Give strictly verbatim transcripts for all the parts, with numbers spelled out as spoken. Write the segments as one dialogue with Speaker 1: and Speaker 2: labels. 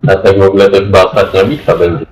Speaker 1: A tak w ogóle to chyba ostatnia bitwa będzie.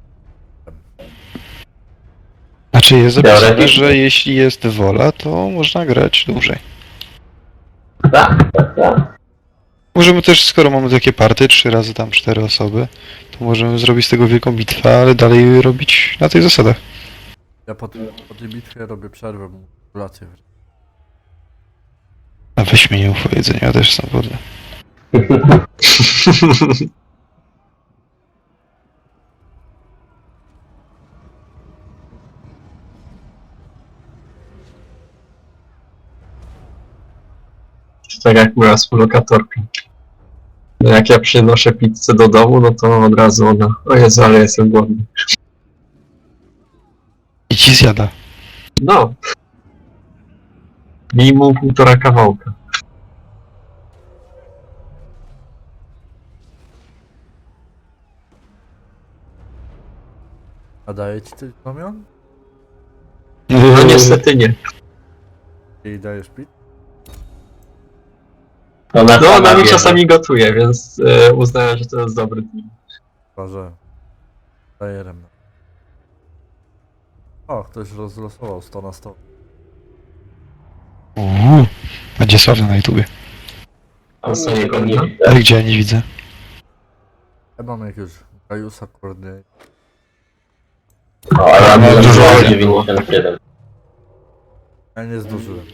Speaker 2: Znaczy jest zapisane,
Speaker 1: Teoretycznie.
Speaker 2: że jeśli jest wola, to można grać dłużej.
Speaker 1: Tak, tak, tak.
Speaker 2: Możemy też, skoro mamy takie party, trzy razy tam cztery osoby, to możemy zrobić z tego wielką bitwę, ale dalej robić na tych zasadach.
Speaker 3: Ja po, tym, po tej bitwie robię przerwę, mu kolację.
Speaker 2: A weź mnie nie ufo jedzenia, ja też sam wodę.
Speaker 4: Tak jak moja współlokatorka. No jak ja przynoszę pizzę do domu, no to od razu ona, o Jezu, ale jestem głodny.
Speaker 2: I ci zjada.
Speaker 4: No. Minimum półtora kawałka.
Speaker 3: A daję ci coś znamion?
Speaker 4: No niestety nie.
Speaker 3: I dajesz pit?
Speaker 1: Ona
Speaker 4: No
Speaker 1: sama
Speaker 4: ona mi
Speaker 1: wie,
Speaker 4: czasami gotuje, więc e, uznałem, że to jest dobry deal.
Speaker 3: Chyba, że... Dajerem. O, ktoś rozlosował sto na sto.
Speaker 2: Uuu, będzie sławny na YouTubie.
Speaker 1: A co niego nie
Speaker 4: No.
Speaker 1: widzę.
Speaker 2: Ale gdzie ja nie widzę?
Speaker 3: Ja mam jakiegoś Gajusa Kordy.
Speaker 1: O, ale ja
Speaker 2: No,
Speaker 1: mam
Speaker 2: dużo
Speaker 1: dużo
Speaker 2: razy.
Speaker 1: dziewięćdziesiąt siedem.
Speaker 3: Ja nie zdążyłem.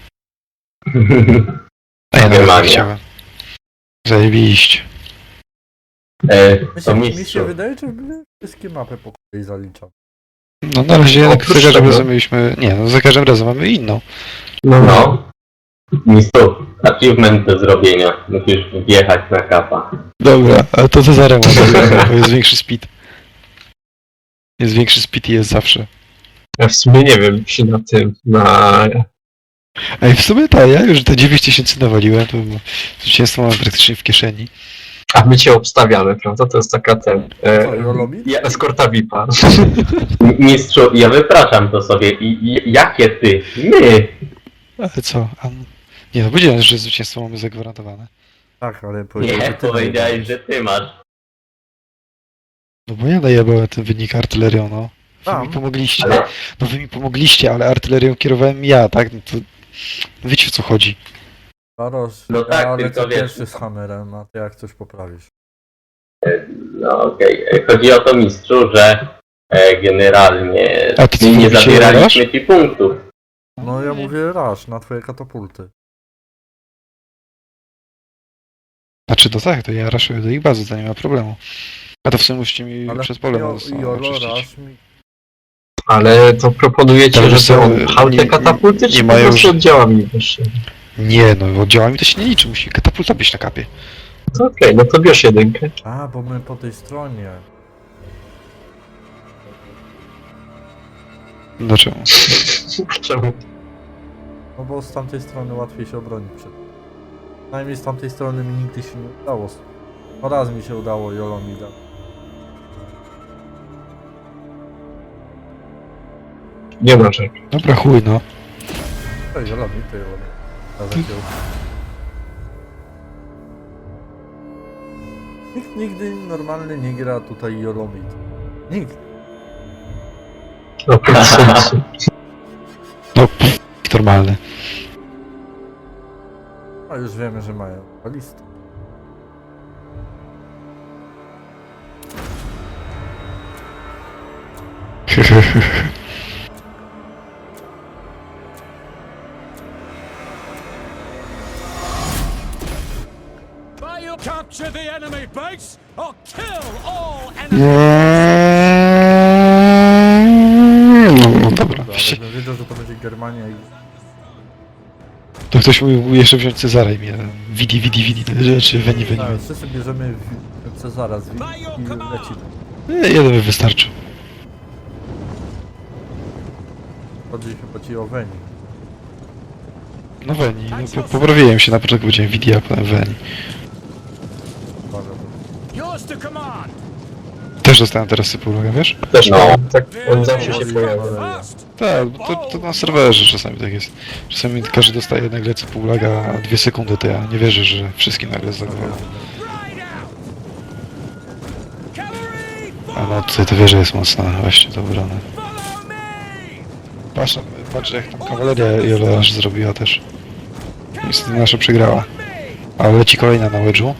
Speaker 2: A ja nawet nie
Speaker 1: Magia.
Speaker 2: chciałem. Zajebiście.
Speaker 1: E,
Speaker 3: Mi
Speaker 1: to
Speaker 3: się, mi się
Speaker 1: mistrzu.
Speaker 3: wydaje, że wszystkie mapy po kolei zaliczam.
Speaker 2: No na razie jednak
Speaker 4: Oprócz
Speaker 2: za każdym
Speaker 4: tego-
Speaker 2: razem mieliśmy... Nie, no za każdym razem mamy inną.
Speaker 4: No, no.
Speaker 1: No. Mistrzu, achievement do zrobienia. Musisz wjechać na kapa.
Speaker 2: Dobra, ale to za zaremo, bo jest większy speed. Jest większy speed i jest zawsze.
Speaker 4: Ja w sumie nie wiem, czy na tym, na...
Speaker 2: Ej, w sumie tak, ja już te dziewięć tysięcy nawaliłem, to zwycięstwo mam praktycznie w kieszeni.
Speaker 4: A my cię obstawiamy, prawda? To jest taka ten...
Speaker 3: Co,
Speaker 4: E,
Speaker 3: Jolomi?
Speaker 1: Ja,
Speaker 4: eskorta V I P-a.
Speaker 1: mistrzu, ja wypraszam to sobie. I, i jakie ty? My!
Speaker 2: Ale co? A... Nie no, powiedziałem, że zwycięstwo mamy zagwarantowane.
Speaker 3: Tak, ale powiedziałem,
Speaker 1: Nie,
Speaker 3: że ty
Speaker 1: powiedziałeś,
Speaker 3: najebałeś.
Speaker 1: że ty masz.
Speaker 2: No bo ja najebałem ten wynik artylerią, no. Wy
Speaker 3: Tam.
Speaker 2: mi pomogliście.
Speaker 1: Ale
Speaker 2: No wy mi pomogliście, ale artylerią kierowałem ja, tak? No to... Wiecie o co chodzi.
Speaker 3: Barosz,
Speaker 1: No
Speaker 3: ja
Speaker 1: tak,
Speaker 3: lecę
Speaker 1: tylko wiesz-
Speaker 3: pierwszy z hammerem, a ty jak coś poprawisz.
Speaker 1: no okej. E, Chodzi o to, mistrzu, że e, generalnie
Speaker 2: A ty co
Speaker 1: nie
Speaker 2: mówicie,
Speaker 1: zabieraliśmy ci punktów.
Speaker 3: No ja mówię rasz na twoje katapulty.
Speaker 2: Znaczy, no tak, to ja raszuję do ich bazy, to nie ma problemu. A to w sumie musicie mi
Speaker 3: Ale
Speaker 2: przez pole
Speaker 3: jo,
Speaker 2: mocno
Speaker 3: Jolo,
Speaker 2: oczyścić.
Speaker 3: rasz mi...
Speaker 4: Ale to proponujecie,
Speaker 2: Ale
Speaker 4: że
Speaker 2: są-
Speaker 4: są pchał
Speaker 2: nie-
Speaker 4: te katapulty,
Speaker 2: nie
Speaker 4: czy po
Speaker 2: mają
Speaker 4: prostu
Speaker 2: już-
Speaker 4: oddziałami wyższe?
Speaker 2: Nie no, oddziałami to się nie liczy, musi katapulta być na kapie.
Speaker 4: To okej, no to bierz jedynkę.
Speaker 3: A, bo my po tej stronie.
Speaker 2: Dlaczego?
Speaker 4: Czemu?
Speaker 3: No bo z tamtej strony łatwiej się obronić przed. Przynajmniej z tamtej strony mi nigdy się nie udało. No raz mi się udało Jolomida.
Speaker 4: Nie ma czego.
Speaker 2: Dobra, chuj no.
Speaker 3: To Jolomid, to Jolomid. Nawet ją. Nikt nigdy normalny nie gra tutaj Jolomid. Nikt.
Speaker 4: No, bez sensu.
Speaker 2: No, pff, normalny.
Speaker 3: A już wiemy, że mają balistę.
Speaker 5: You capture the enemy base or kill all enemy.
Speaker 2: No, no dobra.
Speaker 3: Ale bym wiedział, że to będzie Germania i...
Speaker 2: To ktoś mógł jeszcze wziąć Cezara i mnie widi, widi, widi, te rzeczy, weni, weni,
Speaker 3: Tak,
Speaker 2: weni.
Speaker 3: wszyscy bierzemy w- Cezara z Wii i leci.
Speaker 2: Nie, jeden by wystarczył.
Speaker 3: Chodzi chyba ci o Weni.
Speaker 2: No weni, no, po, poprawiłem się, na początku powiedziałem widi, a potem weni.
Speaker 3: Uwaga.
Speaker 5: Yours to command.
Speaker 2: Też dostałem teraz sypulogę, wiesz?
Speaker 4: Też
Speaker 1: No.
Speaker 4: no. Tak, on zawsze się pojawia.
Speaker 5: Fast.
Speaker 2: Tak, bo to, to na serwerze czasami tak jest. Czasami każdy dostaje nagle cypulaga, a dwie sekundy to ja nie wierzę, że wszystkim nagle zlagowało.
Speaker 5: Right out.
Speaker 2: no tutaj to wieża jest mocna, właśnie to obrona.
Speaker 5: Follow me!
Speaker 2: Patrz, patrz jak tam kawaleria Jola aż zrobiła też. Niestety nasza przegrała. Ale leci kolejna na wedżu.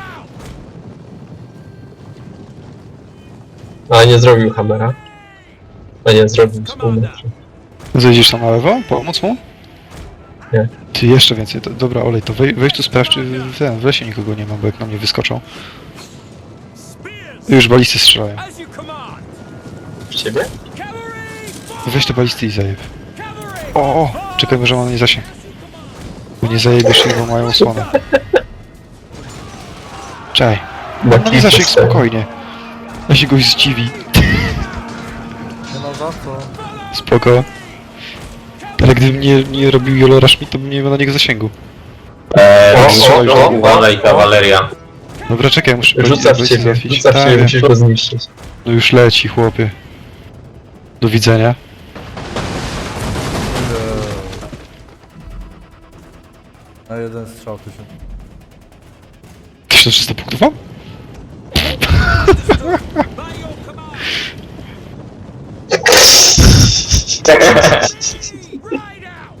Speaker 4: A nie zrobił Hammera. A nie zrobił z pół metra.
Speaker 2: Zejdziesz tam na lewo? Pomóc mu?
Speaker 4: Nie.
Speaker 2: Ty jeszcze więcej. To, dobra, olej, to wej, weź tu sprawdź, czy w, ten, w lesie nikogo nie ma, bo jak na mnie wyskoczą.
Speaker 5: Spears!
Speaker 2: Już balisty strzelają.
Speaker 5: As you command!
Speaker 4: W ciebie?
Speaker 5: Cavalry!
Speaker 2: Weź te balisty i zajeb.
Speaker 5: Cavalry!
Speaker 2: O, o! Czekajmy, że ma na nie zasięg. Bo nie zajebiesz ich, bo mają osłonę. Czaj.
Speaker 4: Na
Speaker 2: Ma nie zasięg spokojnie. Ja się goś zdziwi.
Speaker 3: Nie ma za co.
Speaker 2: Spoko. Ale gdybym nie, nie robił Jolora Schmidt, to bym nie miał na niego zasięgu.
Speaker 1: Eee,
Speaker 4: O,
Speaker 2: o, o, o.
Speaker 1: uważaj, kawaleria.
Speaker 2: Dobra, czekaj, muszę
Speaker 4: Rzuca w
Speaker 2: balisty
Speaker 4: ciebie,
Speaker 2: załatwić.
Speaker 4: rzuca w
Speaker 2: Tak,
Speaker 4: ciebie, musisz go zniszczyć.
Speaker 2: no już leci, chłopie. Do widzenia.
Speaker 3: Na jeden strzał tysiąc.
Speaker 2: tysiąc trzysta punktów mam?
Speaker 5: By your command! Ride out!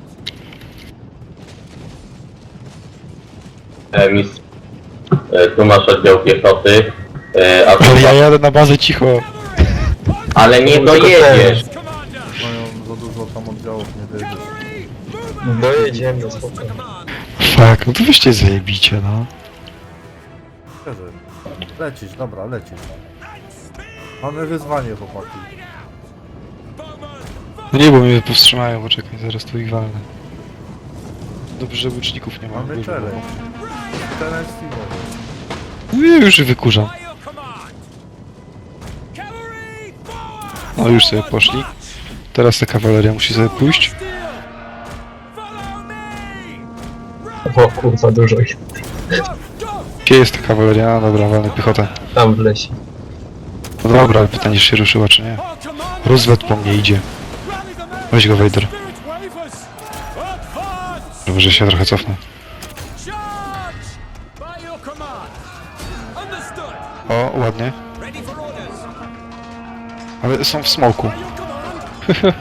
Speaker 1: E, mistrz. E, tu masz oddział piechoty. E, a tu
Speaker 2: Ale ja
Speaker 1: masz...
Speaker 2: jadę na bazę cicho.
Speaker 1: Ale nie dojedziesz.
Speaker 5: Commander!
Speaker 3: Mają za dużo tam oddziałów, nie dojedziesz.
Speaker 5: Cavalry! Move out!
Speaker 4: Dojedziemy, spokojnie.
Speaker 5: Command!
Speaker 2: Fuck, no to weźcie zajebicie, no.
Speaker 3: Szczerze. Lecisz, dobra, lecisz. Mamy wyzwanie, chłopaki.
Speaker 5: Bowman!
Speaker 2: No nie, bo mnie powstrzymają, poczekaj, zaraz tu ich walnę. Dobrze, że łuczników nie ma.
Speaker 3: Mamy
Speaker 2: Dużo
Speaker 3: challenge.
Speaker 2: było.
Speaker 3: Challenge teamowy.
Speaker 2: No ja już wykurzam.
Speaker 5: By your command! Cavalry! Forward!
Speaker 2: No już sobie poszli. Teraz ta kawaleria musi sobie pójść.
Speaker 5: Still! Follow me!
Speaker 4: O kurwa, dużo ich.
Speaker 5: Go! Go!
Speaker 2: Gdzie jest ta kawaleria? No dobra, walnę piechotę.
Speaker 4: Tam w lesie.
Speaker 2: No dobra, ale pytanie, czy się ruszyła, czy nie.
Speaker 5: Our commander!
Speaker 2: Rozwet po mnie idzie.
Speaker 5: Rally the men!
Speaker 2: Weź go, Vader.
Speaker 5: Spirit wavers! Advance!
Speaker 2: Dobrze, że się trochę cofnę.
Speaker 5: Charge! By your command! Understood!
Speaker 2: O, ładnie.
Speaker 5: Ready for orders!
Speaker 2: Ale są w smoku.
Speaker 5: By your command!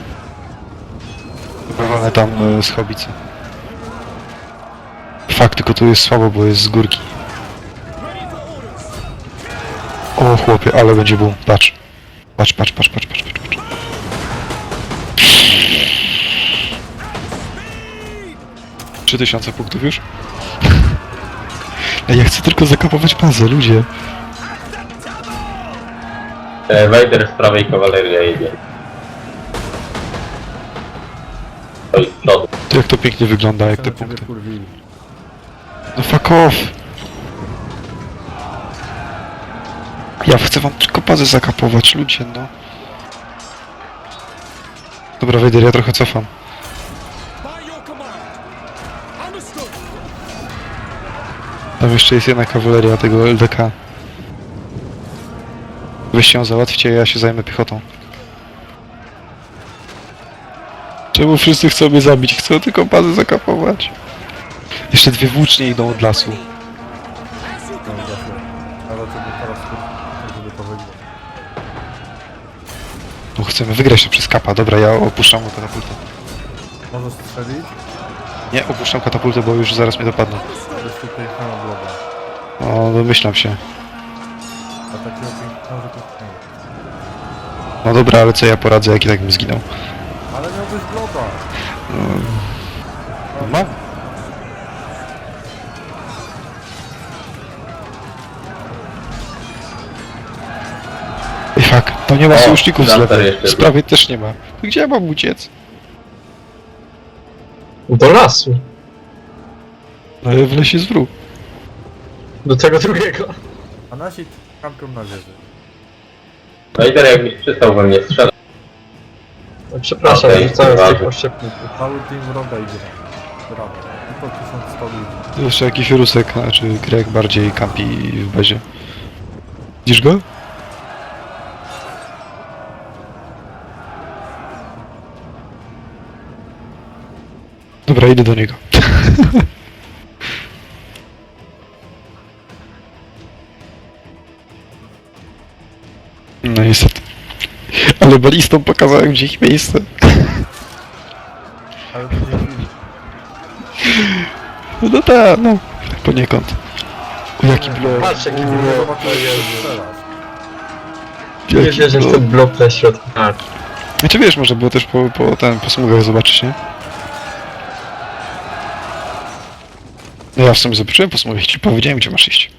Speaker 2: Dobra, walnę tam e, z hobicy. Fakt, tylko tu jest słabo, bo jest z górki.
Speaker 5: Ready for orders!
Speaker 2: O chłopie, ale będzie boom. Patrz. Patrz, patrz, patrz, patrz, patrz, patrz. patrz. trzy tysiące punktów już? Ej, ja chcę tylko zakapować bazę, ludzie.
Speaker 1: E, Wejder z prawej, kawaleria jedzie. Oj, z przodu.
Speaker 2: To jak to pięknie wygląda, jak te
Speaker 3: Chcemy ciebie
Speaker 2: punkty.
Speaker 3: kurwili.
Speaker 2: No fuck off! Ja chcę wam tylko bazę zakapować, ludzie, no. Dobra, Wejder, ja trochę cofam.
Speaker 5: By your command! Understood!
Speaker 2: Tam jeszcze jest jedna kawaleria tego L D K. Weźcie ją załatwcie, ja się zajmę piechotą. Czemu wszyscy chcą mnie zabić? Chcą tylko bazę zakapować. Jeszcze dwie włócznie idą od lasu.
Speaker 3: No właśnie. Ale to by teraz kurwa, żeby to wygrać.
Speaker 2: No chcemy wygrać to przez kapa. Dobra, ja opuszczam katapultę.
Speaker 3: Możesz strzelić?
Speaker 2: Nie, opuszczam katapultę, bo już zaraz mnie dopadną.
Speaker 3: Jest tu piękna obloga.
Speaker 2: No, domyślam się.
Speaker 3: A takiego pięknego, że to nie.
Speaker 2: No dobra, ale co ja poradzę, jak i tak bym zginął.
Speaker 3: Ale miałbyś bloga.
Speaker 2: No, mam. Ej, fuck, tam nie ma
Speaker 1: O,
Speaker 2: sojuszników z
Speaker 1: Lancer
Speaker 2: lewej.
Speaker 1: jeszcze
Speaker 2: Z prawej też nie ma. Gdzie ja mam uciec?
Speaker 4: Do lasu.
Speaker 2: No, w lesie z wróg.
Speaker 4: Do tego drugiego.
Speaker 3: A nasi kampią na wieży.
Speaker 1: Wejder jakbyś przystał we mnie strzelać.
Speaker 4: No, przepraszam,
Speaker 1: Okej,
Speaker 4: rzucałem z tych
Speaker 1: ważne.
Speaker 4: oszczepników.
Speaker 3: Cały team wroga idzie. Brawo. Tylko tysiąc sto ludzi.
Speaker 2: Jeszcze jakiś Rusek, znaczy Grek bardziej kampi w bazie. Widzisz go? Dobra, idę do niego. No niestety. Ale balistom pokazałem gdzie ich miejsce.
Speaker 3: Ale to dzięki...
Speaker 2: No tak, no. Poniekąd. O, jaki blok.
Speaker 4: Patrz jaki
Speaker 3: Nie
Speaker 4: blok.
Speaker 3: zobaczyłeś, jak strzelasz.
Speaker 4: Nie
Speaker 2: Jaki
Speaker 4: wierzę w
Speaker 2: blok.
Speaker 4: ten blok na środku. Tak.
Speaker 2: Znaczy wiesz, można było też po, po, ten, po smugach zobaczyć, nie? No ja w sumie zobaczyłem po smugach, ci powiedziałem gdzie masz iść.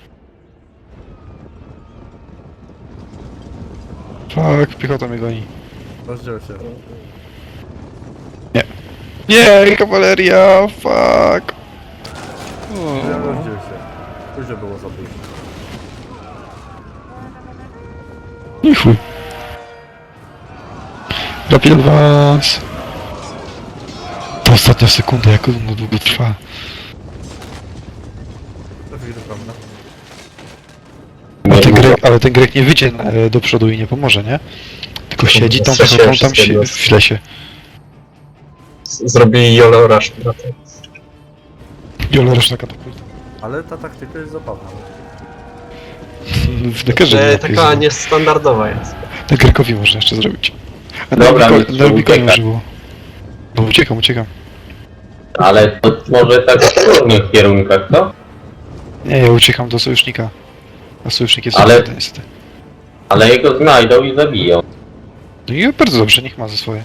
Speaker 2: Fuck, piechota mnie goni.
Speaker 3: Rozdziel się.
Speaker 2: Nie, kawaleria, fuck.
Speaker 3: Nie
Speaker 2: O,
Speaker 3: rozdziel się. Później było za późno.
Speaker 2: nie chuj. Rapid advance. To ostatnia sekunda, jak ono długo trwa.
Speaker 3: To chwilę, prawda?
Speaker 2: Ale
Speaker 1: Nie
Speaker 2: ten,
Speaker 1: długo.
Speaker 2: Grek, ale ten Grek nie wyjdzie e, do przodu i nie pomoże, nie? Tylko siedzi tam,
Speaker 4: Straciłem
Speaker 2: tam, tam
Speaker 4: wszystkie
Speaker 2: się,
Speaker 4: jednostki.
Speaker 2: w lesie.
Speaker 4: Z- Zrobili Jolo Rush na to.
Speaker 2: Jolo roczna katapulta.
Speaker 3: Ale ta taktyka jest zabawna.
Speaker 2: W dekerze
Speaker 4: E,
Speaker 2: nie
Speaker 4: taka niestandardowa jest.
Speaker 2: Na Grekowi można jeszcze zrobić. A
Speaker 1: Dobra,
Speaker 2: na
Speaker 1: mistrzu,
Speaker 2: Rubiko- na Rubikonie
Speaker 1: uciekaj.
Speaker 2: już było. No uciekam, uciekam.
Speaker 1: Ale to może tak w różnych kierunkach, co?
Speaker 2: Nie, ja uciekam do sojusznika. A sojusznik jest
Speaker 1: Ale-
Speaker 2: Ale... niestety.
Speaker 1: Ale jego znajdą i zabiją.
Speaker 2: No i bardzo dobrze, niech ma ze swoje.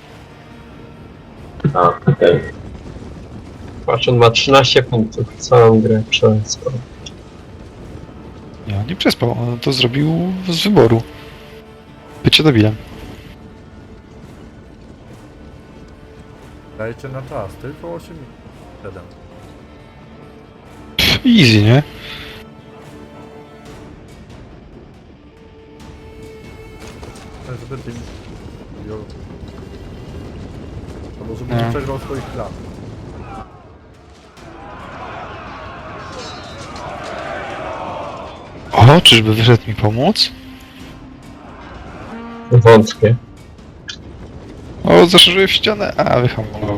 Speaker 1: A, okej.
Speaker 4: Patrz, on ma trzynaście punktów. Całą grę przespał.
Speaker 2: Nie, on nie przespał, on to zrobił z wyboru. Bycie debilem.
Speaker 3: Dajcie na czas, tylko osiem minut. siedem.
Speaker 2: Pff, easy, nie?
Speaker 3: Ten żeby tym... Albo żeby
Speaker 2: No.
Speaker 3: nie przegrał swoich planów.
Speaker 2: O, czyżby wyszedł mi pomóc?
Speaker 4: Wątpię.
Speaker 2: O, zaszerzyłem ścianę, a wyhamował.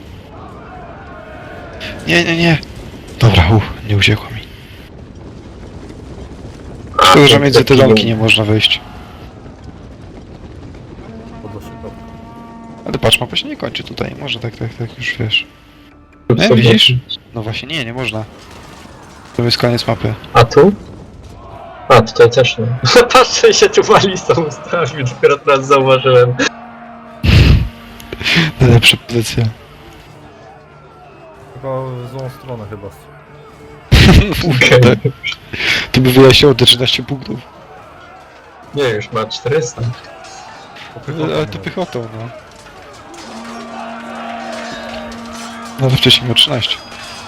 Speaker 2: Nie, nie, nie. Dobra, uff, nie uciekło mi. Szkoda, że między te domki nie można wejść.
Speaker 3: Podło szybko.
Speaker 2: Ale patrz, mapa się nie kończy tutaj, może tak, tak, tak, już wiesz.
Speaker 4: Rób
Speaker 2: Nie,
Speaker 4: sobie-
Speaker 2: widzisz? No właśnie, nie, nie można. To jest koniec mapy.
Speaker 4: A tu? A, tutaj też nie. Patrzę się tu balistą ustawił, dopiero teraz zauważyłem.
Speaker 2: Najlepsza pozycja.
Speaker 3: Tylko w złą stronę chyba.
Speaker 4: Okej.
Speaker 2: Tak. To by wyjaśniało te trzynaście punktów.
Speaker 4: Nie, już ma czterysta.
Speaker 2: Ale to piechotą, no. No to wcześniej miał trzynaście.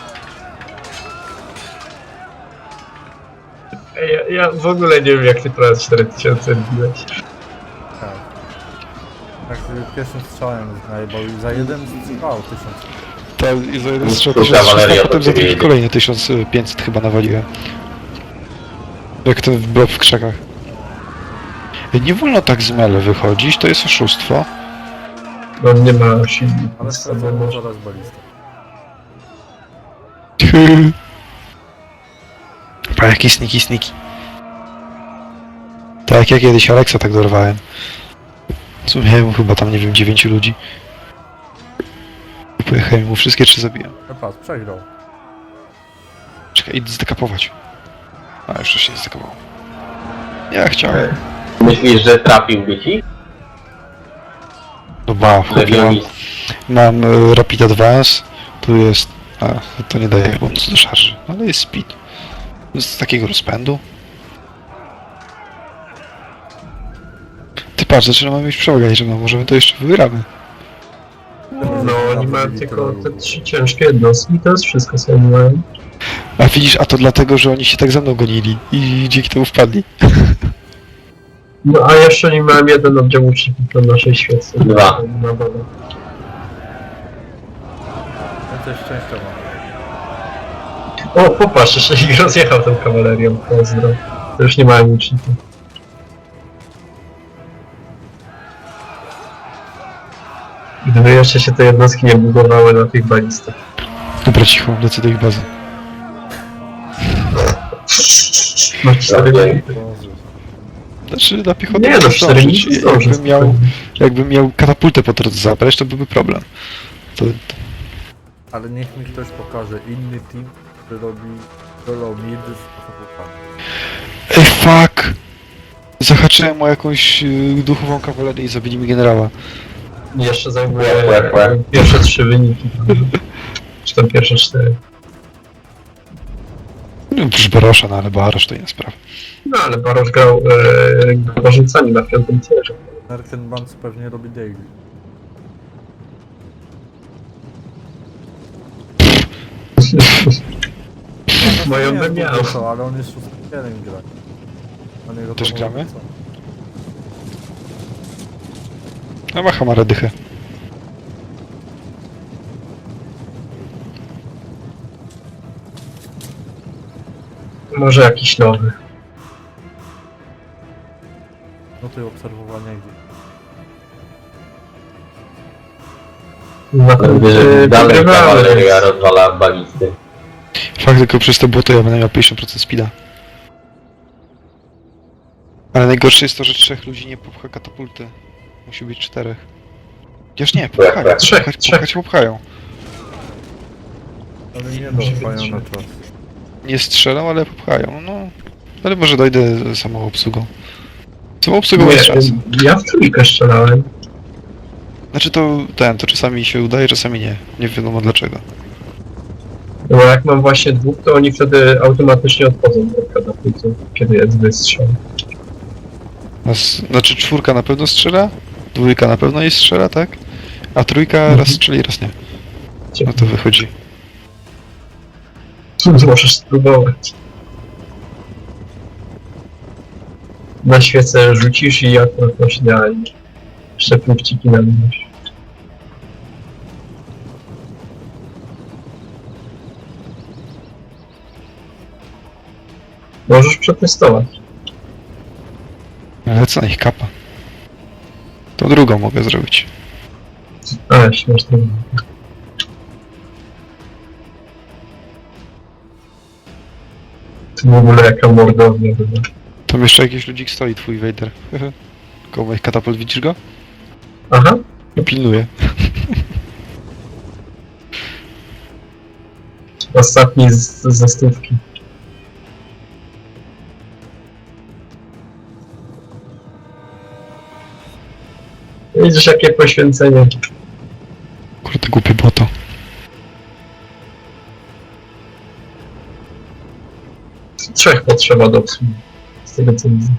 Speaker 4: Ej, Ja, ja w ogóle nie wiem jak ty teraz cztery tysiące wbiłeś.
Speaker 3: Tak. Jak pierwszym strzałem najebał i za jeden strzał tysiąc.
Speaker 2: Tak, i za jeden
Speaker 1: Tu
Speaker 2: strzał
Speaker 1: kawaleria
Speaker 2: tysiąc trzysta,
Speaker 1: do
Speaker 2: potem za
Speaker 1: ciebie
Speaker 2: drugi
Speaker 1: jedzie.
Speaker 2: kolejny tysiąc pięćset chyba nawaliłem. Jak ten blok w krzakach. Nie wolno tak z mele wychodzić, to jest oszustwo.
Speaker 4: No nie ma silnika.
Speaker 3: Ale stracono zaraz balistę.
Speaker 2: Pa, jaki sniki, sniki. Tak, ja kiedyś Alexa tak dorwałem. W sumie chyba tam, nie wiem, dziewięciu ludzi. Pojechałem mu wszystkie trzy zabiłem.
Speaker 3: No patrz, przegrał.
Speaker 2: Czekaj, idę zdekapować. A, jeszcze się nie zdekapował. Ja chciałem.
Speaker 1: Myślisz, że trafiłby ci?
Speaker 2: No ba, wchodziłem.
Speaker 1: Legionist.
Speaker 2: Mam e, Rapid Advance. Tu jest... A, to nie daje bonus do szarży. Ale jest speed. Z takiego rozpędu. Ty patrz, zaczynamy mieć przewagę liczebną. Możemy to jeszcze wygramy.
Speaker 4: No oni mają tylko te trzy ciężkie jednostki i to jest wszystko co oni mają.
Speaker 2: A widzisz, a to dlatego, że oni się tak za mną gonili i dzięki temu wpadli.
Speaker 4: No a jeszcze nie miałem jeden oddział łuczników na naszej świece.
Speaker 1: Dwa.
Speaker 4: Na wodę.
Speaker 3: Więcej szczęścia mam.
Speaker 4: O, popatrz, jeszcze ich rozjechał tą kawalerią. Pozdro. To już nie mają łuczników. Gdyby jeszcze się te jednostki nie budowały na tych balistach.
Speaker 2: Dobra, cicho, lecę do ich bazy.
Speaker 4: Ma cztery
Speaker 1: Okej.
Speaker 4: bality.
Speaker 3: Boże.
Speaker 2: Znaczy na piechotę
Speaker 4: Nie,
Speaker 2: mogę
Speaker 4: no cztery
Speaker 2: zdążyć.
Speaker 4: minuty zdążę.
Speaker 2: Jakbym miał, jakbym miał katapultę po drodze zabrać, to byłby problem. To, to...
Speaker 3: Ale niech mi ktoś pokaże inny team, który robi solo mid z katapultami.
Speaker 2: Ej, fuck! Zahaczyłem o jakąś y, duchową kawalerię i zabili mi generała.
Speaker 4: Jeszcze zajmuje
Speaker 1: Łe, łe, łe.
Speaker 4: pierwsze trzy wyniki. Czy tam pierwsze cztery.
Speaker 2: No, już Barosza, no ale Barosz to inna sprawa.
Speaker 4: No ale Barosz grał e, porzucani na piątym tierze.
Speaker 3: Merken Bands pewnie robi daily.
Speaker 4: Moją
Speaker 3: Nie
Speaker 4: by
Speaker 3: wiem,
Speaker 4: miał.
Speaker 3: co, ale on jest szóstym gra. Na niego
Speaker 2: Też
Speaker 3: to
Speaker 2: gramy?
Speaker 3: co?
Speaker 2: No ma Hamara dychę.
Speaker 4: Może jakiś nowy.
Speaker 3: No to i obserwowania gdzie.
Speaker 4: Na
Speaker 1: Ale
Speaker 4: tym,
Speaker 1: wiesz, że
Speaker 4: e,
Speaker 1: dalej
Speaker 4: pogrywamy,
Speaker 1: kawaleria
Speaker 4: więc-
Speaker 1: rozwala balisty.
Speaker 2: Fakt, tylko przez to błoto ja będę miał pięćdziesiąt procent speeda. Ale najgorsze jest to, że trzech ludzi nie popcha katapulty. Musi być czterech. Chociaż nie, popchają.
Speaker 4: Trzech,
Speaker 2: Popchać,
Speaker 4: trzech.
Speaker 2: popchać popchają.
Speaker 3: Ale nie
Speaker 4: Musi
Speaker 3: dotrwają
Speaker 4: być.
Speaker 3: na czas.
Speaker 2: Nie strzelą, ale popchają. No. Ale może dojdę z samą obsługą. Samą obsługą jest
Speaker 4: Nie,
Speaker 2: szansa.
Speaker 4: ja w trójkę strzelałem.
Speaker 2: Znaczy to ten, to czasami się udaje, czasami nie. Nie wiadomo dlaczego.
Speaker 4: No bo jak mam właśnie dwóch, to oni wtedy automatycznie odchodzą od katapultu, kiedy jest wystrzał.
Speaker 2: Nas, znaczy czwórka na pewno strzela, dwójka na pewno jej strzela, tak? A trójka
Speaker 4: Mhm.
Speaker 2: raz strzeli, raz nie. No to wychodzi.
Speaker 4: Możesz spróbować. Na świecę rzucisz i akurat masz idealnie. Jeszcze punkciki na minus. Możesz przetestować.
Speaker 2: Lecę na ich kapa. To drugą mogę zrobić.
Speaker 4: A, śmieszne. To w ogóle jaka mordownia była.
Speaker 2: Tam jeszcze jakiś ludzik stoi, twój Vader. Koło moich katapult, widzisz go?
Speaker 4: Aha,
Speaker 2: I pilnuje.
Speaker 4: ostatni z, ze stówki. Widzisz jakie poświęcenie.
Speaker 2: Kurde, głupie błoto.
Speaker 4: Trzech potrzeba do obsługi. Z tego co widzę.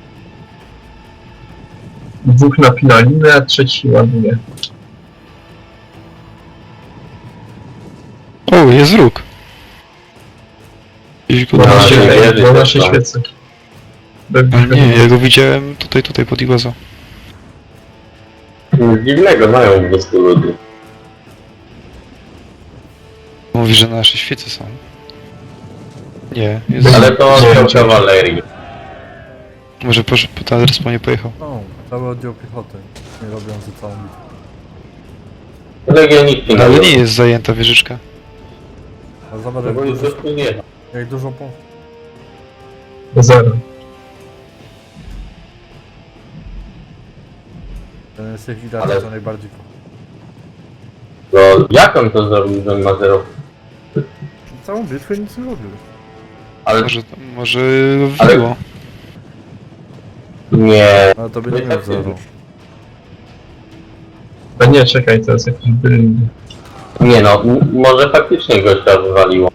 Speaker 4: Dwóch napina linę, a trzeci ładuje.
Speaker 2: O, jest róg. Gdzieś go
Speaker 4: Na
Speaker 1: No,
Speaker 4: naszej,
Speaker 1: ale
Speaker 4: na
Speaker 1: jedzie
Speaker 4: naszej
Speaker 1: też, no.
Speaker 4: świecy.
Speaker 2: Ale nie, ja go widziałem tutaj, tutaj pod Iwazą.
Speaker 1: Nic dziwnego, mają po prostu ludzi.
Speaker 2: Mówi, że nasze świece są. Nie, jest...
Speaker 1: Ale to
Speaker 4: Nie,
Speaker 1: oddział
Speaker 4: nie.
Speaker 1: kawalerii.
Speaker 2: Może poszedł, po ten adres po nie pojechał.
Speaker 3: No, cały oddział piechoty. Nie robią za całą bitwę.
Speaker 1: Legioniki
Speaker 2: Ale nie jest zajęta wieżyczka.
Speaker 3: Ale zobacz
Speaker 1: No
Speaker 3: jak
Speaker 1: bo już
Speaker 3: dużo,
Speaker 1: tu nie ma.
Speaker 3: jak dużo punktów.
Speaker 4: Zero.
Speaker 3: Ten z tych widać,
Speaker 1: Ale-
Speaker 3: co najbardziej kocha.
Speaker 1: No jak on to zrobił, że on ma zero?
Speaker 3: Całą bitwę nic nie robił.
Speaker 1: Ale
Speaker 2: Może, może
Speaker 1: Ale-
Speaker 2: wbiło.
Speaker 1: nie.
Speaker 3: Ale to by
Speaker 1: No
Speaker 3: nie
Speaker 1: i
Speaker 3: miał
Speaker 1: tak
Speaker 3: zero.
Speaker 4: A nie, czekaj, to jest jakiś bryl.
Speaker 1: Nie no, m- może faktycznie gościa wywaliło.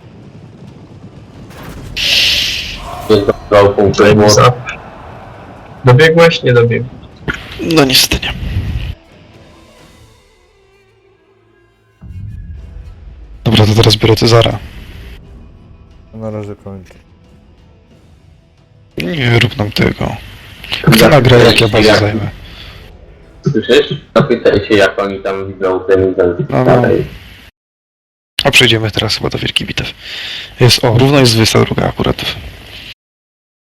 Speaker 1: Jest dobrał punktu, bo
Speaker 4: Time's up. Dobiegłeś? Nie dobiegłeś.
Speaker 2: No niestety nie. Dobra, to teraz biorę Cezara.
Speaker 3: Na razie kończę.
Speaker 2: Nie rób nam tego. Kto nagra, jak ja bazę zajmę?
Speaker 1: Słyszysz? Zapytaj się jak oni tam widzą ten event
Speaker 2: No, no.
Speaker 1: dalej.
Speaker 2: A przejdziemy teraz chyba do Wielkich Bitew. Jest, o, równo jest dwudziesta druga akurat.